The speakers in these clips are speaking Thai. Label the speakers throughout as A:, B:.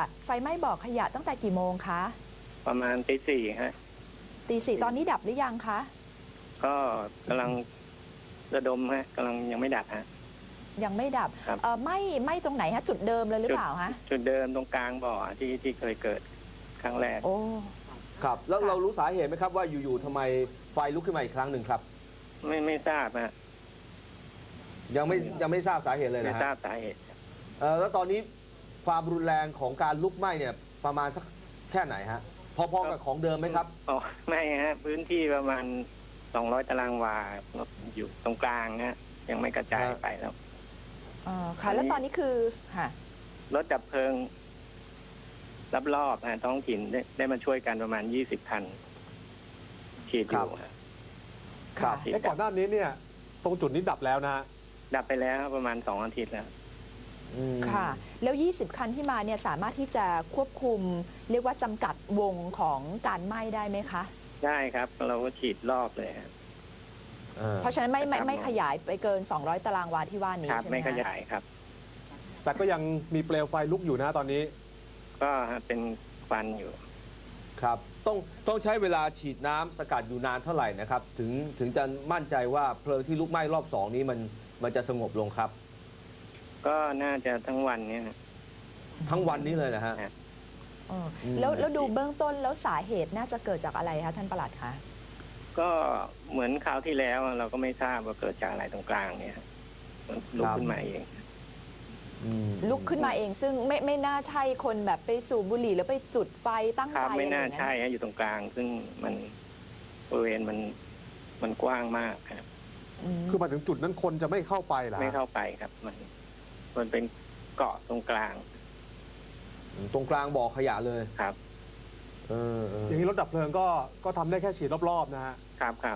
A: ไฟไหม้บ่อขยะตั้งแต่กี่โมงคะ
B: ประมาณตี 4ฮะ
A: ตี 4ตอนนี้ดับหรือยังคะ
B: ก็กำลังระดมฮะกำลังยังไม่ดับฮะ
A: ยังไม่ดับ
B: ครับ
A: ไหม้ตรงไหนฮะจุดเดิมเลยหรือเปล่าฮะ
B: จุดเดิมตรงกลางบ่อที่เคยเกิดครั้งแรก
A: โอ้
C: ครับ แล้ว
A: ค่ะ
C: เรารู้สาเหตุไหมครับว่าอยู่ๆทำไมไฟลุกขึ้นมาอีกครั้งหนึ่งครับ
B: ไม่ทราบฮะ
C: ยังไม่ทราบสาเหตุเลย
B: ไม่
C: นะ
B: ทรา
C: ฮะ
B: บสาเหตุครับ
C: แล้วตอนนี้ความรุนแรงของการลุกไหม้เนี่ยประมาณสักแค่ไหนฮะพอๆกับของเดิมไหมครับ
B: อ๋อไม่ฮะพื้นที่ประมาณ200ตารางวาอยู่ตรงกลางฮะยังไม่กระจายไปแล้ว
A: ค่ะ แล้วตอนนี้คือค่ะ
B: รถดับเพลิงรอบๆท้องถิ่นได้มาช่วยกันประมาณ20 คันฉีดอยู่ฮะ
C: ครับ
B: ฉีด
D: ก่อนหน้านี้เนี่ยตรงจุดนี้ดับแล้วนะฮะ
B: ดับไปแล้วประมาณ2 อาทิตย์แล้ว
A: ค่ะ แล้ว 20 คันที่มาเนี่ยสามารถที่จะควบคุมเรียกว่าจำกัดวงของการไหม้ได้ไหมคะ
B: ได้ครับ เราก็ฉีดรอบเลยครับ
A: เพราะฉะนั้นไม่ขยายไปเกิน 200 ตารางวาที่ว่านี้
B: ครับ
A: ใช่ไหม
B: ไม่ข
A: คะ
B: ยายครับ
D: แต่ก็ยังมีเปลวไฟลุกอยู่นะตอนนี้
B: ก็เป็นควันอยู่
C: ครับต้องใช้เวลาฉีดน้ำสกัดอยู่นานเท่าไหร่นะครับถึงจะมั่นใจว่าเพลิงที่ลุกไหม้รอบ2นี้มันจะสงบลงครับ
B: ก็น่าจะทั้งวันเนี้
C: ทั้งวันนี้เลยนะฮะ
A: แล้วดูเบื้องต้นแล้วสาเหตุน่าจะเกิดจากอะไรคะท่านปลัดคะ
B: ก็เหมือนคราวที่แล้วเราก็ไม่ทราบว่าเกิดจากอะไรตรงกลางเนี่ยมันลุกขึ้นมาเอง
A: ลุกขึ้นมาเองซึ่งไม่น่าใช่คนแบบไปสูบบุหรี่แล้วไปจุดไฟตั้ง
B: ครั
A: ใจ
B: บไม่น่า
A: อะไรอย่ง
B: ใช่ฮะอยู่ตรงกลาง ซึ่งมันบริเวณมันกว้างมากครับ
D: คือมาถึงจุดนั้นคนจะไม่เข้าไปเหรอฮะ
B: ไม่เข้าไปครับ มันเป็นเกาะตรงกลาง
C: ตรงกลางบ่อขยะเลย
B: ครับ
D: อย่างนี้รถดับเพลิงก็ทำได้แค่ฉีดรอบๆนะฮะ
B: ครับ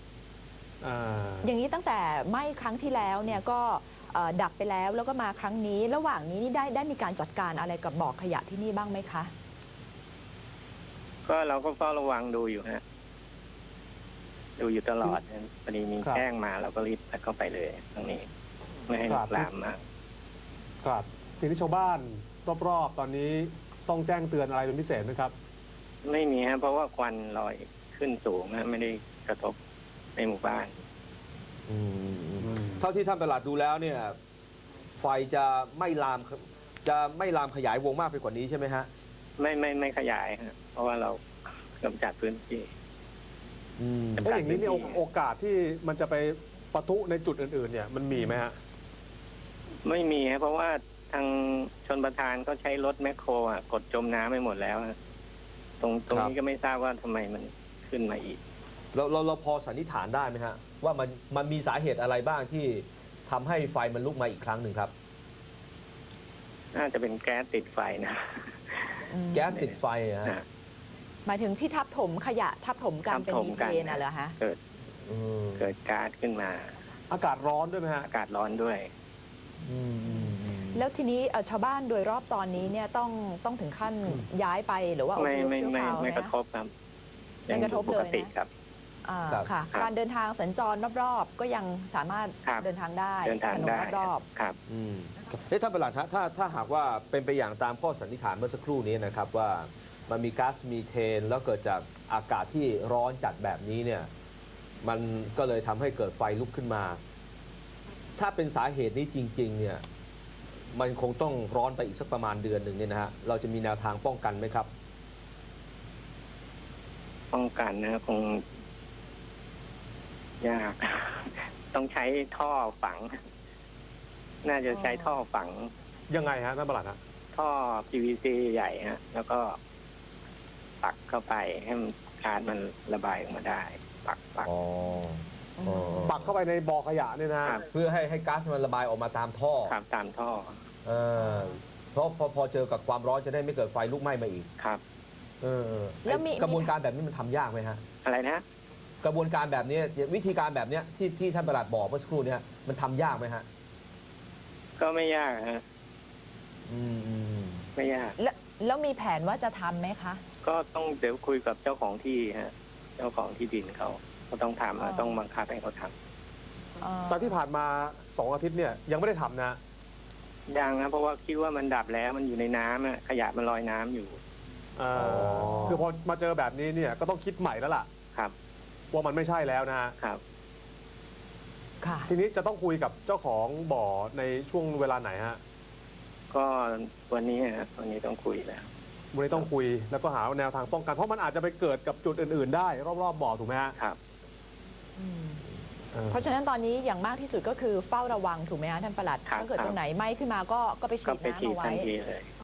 A: อย่างนี้ตั้งแต่ไหม้ครั้งที่แล้วเนี่ยก็ดับไปแล้วก็มาครั้งนี้ระหว่างนี้นี่ได้มีการจัดการอะไรกับบ่อขยะที่นี่บ้างไหมคะ
B: ก็เราก็เฝ้าระวังดูอยู่ฮะดูอยู่ตลอดพอดีมีแจ้งมาเราก็รีบเข้าไปเลยตรงนี้ไม่ให้ลุกลามมาก
D: ครับทีนี้ชาวบ้านรอบๆตอนนี้ต้องแจ้งเตือนอะไรเป็นพิเศษไหมครับ
B: ไม่มีฮะเพราะว่าควันลอยขึ้นสูงฮะไม่ได้กระทบในหมู่บ้าน
C: เท่าที่ท่านปลัดดูแล้วเนี่ยไฟจะไม่ลามขยายวงมากไปกว่านี้ใช่ไหมฮะ
B: ไม่ขยายฮะเพราะว่าเรากำจัดพื้นที่
D: แล้วอย่างนี้เนี่ยโอกาสที่มันจะไปปะทุในจุดอื่นๆเนี่ยมันมีไหมฮะ
B: ไม่มีฮะเพราะว่าทางชนประทานก็ใช้รถแมคโครกดจมน้ำไปหมดแล้วฮะตรงนี้ก็ไม่ทราบว่าทำไมมันขึ้นมาอีก
C: เราพอสันนิษฐานได้ไหมฮะว่ามันมีสาเหตุอะไรบ้างที่ทำให้ไฟมันลุกมาอีกครั้งหนึ่งครับ
B: น่าจะเป็นแก๊สติดไฟนะ
C: แก๊สติดไฟฮะ
A: หมายถึงที่ทับถมขยะทับถมกันเป็น
B: ทับถ
A: มี
B: ม
A: เท
B: กัน
A: นเหรอฮะ
B: เกิดก๊าซขึ้นมา
D: อากาศร้อนด้วยไหมฮะ
B: อากาศร้อนด้วย
A: แล้วทีนี้ชาวบ้านโดยรอบตอนนี้เนี่ยต้องถึงขั้นย้ายไปหรือว่าอพยพชั่วคราว
B: ไม่
A: นะ
B: กระทบครับ
A: ไม่กระทบ
B: ป
A: เลย
B: กติ
A: นะครับ ค่ะ
B: ครับ
A: การเดินทางสัญจรรอบๆก็ยังสามารถ
B: ครับ
A: เดินทางได้
B: เดินทาง
A: ถนน
B: ได้
A: รอบ
B: ครับ
C: ท่านปลัดฮะถ้าหากว่าเป็นไปอย่างตามข้อสันนิษฐานเมื่อสักครู่นี้นะครับว่ามันมีก๊าซมีเทนแล้วเกิดจากอากาศที่ร้อนจัดแบบนี้เนี่ยมันก็เลยทำให้เกิดไฟลุกขึ้นมา ถ้าเป็นสาเหตุนี้จริงๆเนี่ยมันคงต้องร้อนไปอีกสักประมาณเดือนหนึ่งเนี่ยนะฮะเราจะมีแนวทางป้องกันไหมครับ
B: ป้องกันนะคงยาก ต้องใช้ท่อฝัง น่าจะใช้ท่อฝัง
D: ยังไงฮะท่านปลัดฮะ
B: ท่อ PVC ใหญ่ฮะแล้วก็ปักเข้าไปให้ก๊าซมันระบายออกมาได้ ปัก
D: ปักเข้าไปในบ่อขยะเนี่ยนะฮะ
C: เพื่อให้ก๊าซมันระบายออกมาตามท่อ
B: ครับตามท่อ
C: เพราะพอเจอกับความร้อนจะได้ไม่เกิดไฟลุกไหม้มาอีก
B: ครับ
A: แล้วมี
C: กระบวนการแบบนี้มันทำยากไหมฮะ
B: อะไรนะ
C: กระบวนการแบบนี้วิธีการแบบนี้ที่ท่านปลัดบอกเมื่อสักครู่นี้มันทำยากไหมฮะ
B: ก็ไม่ยากฮะ ไม่ยาก
A: แล้วมีแผนว่าจะทำไหมคะ
B: ก็ต้องเดี๋ยวคุยกับเจ้าของที่ฮะ เจ้าของที่ดินเขาต้องทำต้องบังคับให้เขาทำ
D: แต่ที่ผ่านมา2 อาทิตย์เนี่ยยังไม่ได้ทำนะ
B: ยังครับเพราะว่าคิดว่ามันดับแล้วมันอยู่ในน้ำอะขยะมันลอยน้ำอยู่
D: คือพอมาเจอแบบนี้เนี่ยก็ต้องคิดใหม่แล้วล่ะ
B: ครับ
D: ว่ามันไม่ใช่แล้วนะฮะ
B: ครับ
A: ค่ะ
D: ทีนี้จะต้องคุยกับเจ้าของบ่อในช่วงเวลาไหนฮะ
B: ก็วันนี้ฮะวันนี้ต้องคุยแล้ว
D: วันนี้ต้องคุยแล้วก็หาแนวทางป้องกันเพราะมันอาจจะไปเกิดกับจุดอื่นๆได้รอบๆบ่อถูกไหมฮะ
B: ครับ
A: เพราะฉะนั้นตอนนี้อย่างมากที่สุดก็คือเฝ้าระวังถูกไหมคะท่านปลัด
B: ครับ
A: ถ้าเกิดตรงไหนไหม้ขึ้นมาก็ไปฉี
B: ก็
A: ด
B: ไปฉีด
A: น้ำเอา
B: ทั
A: ไว้
B: นทีเลย